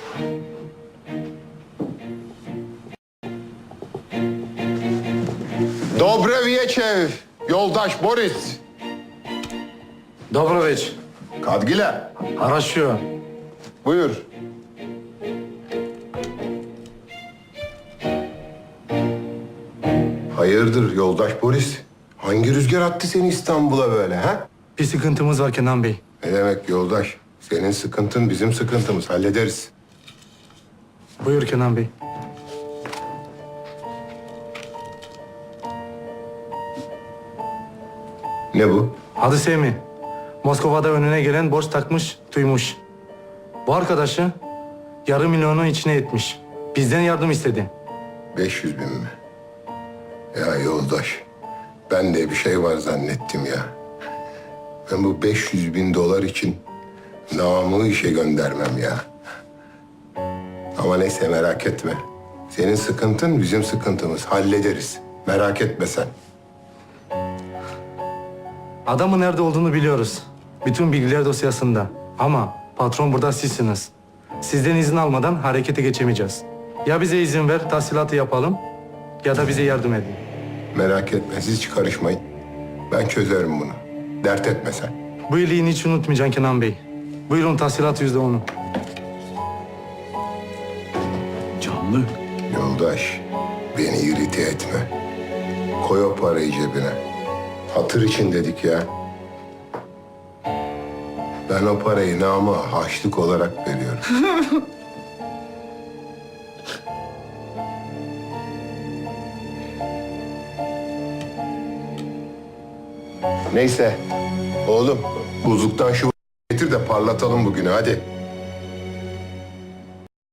Dobre wieczew, yoldaş Boris. Dobroviç. Kadgile, Araşıyor. buyur. Hayırdır yoldaş Boris? Hangi rüzgar attı seni İstanbul'a böyle ha? Bir sıkıntımız var Kenan Bey. Ne demek yoldaş? Senin sıkıntın bizim sıkıntımız. Hallederiz. Buyur Kenan Bey. Ne bu? Adı Semih. Moskova'da önüne gelen borç takmış, duymuş. Bu arkadaşı yarım milyonu içine etmiş. Bizden yardım istedi. 500 bin mi? Ya yoldaş, ben de bir şey var zannettim ya. Ben bu 500 bin dolar için namımı işe göndermem ya. Ama neyse merak etme. Senin sıkıntın bizim sıkıntımız. Hallederiz. Merak etme sen. Adamın nerede olduğunu biliyoruz. Bütün bilgiler dosyasında. Ama patron burada sizsiniz. Sizden izin almadan harekete geçemeyeceğiz. Ya bize izin ver, tahsilatı yapalım ya da bize yardım edin. Merak etme, siz hiç karışmayın. Ben çözerim bunu. Dert etme sen. Bu iyiliğini hiç unutmayacaksın Kenan Bey. Buyurun tahsilat %10'u. Canlı. Yoldaş, beni irite etme. Koy o parayı cebine. Hatır için dedik ya. Ben o parayı nama harçlık olarak veriyorum. Neyse, oğlum buzluktan şu getir de parlatalım bugünü hadi.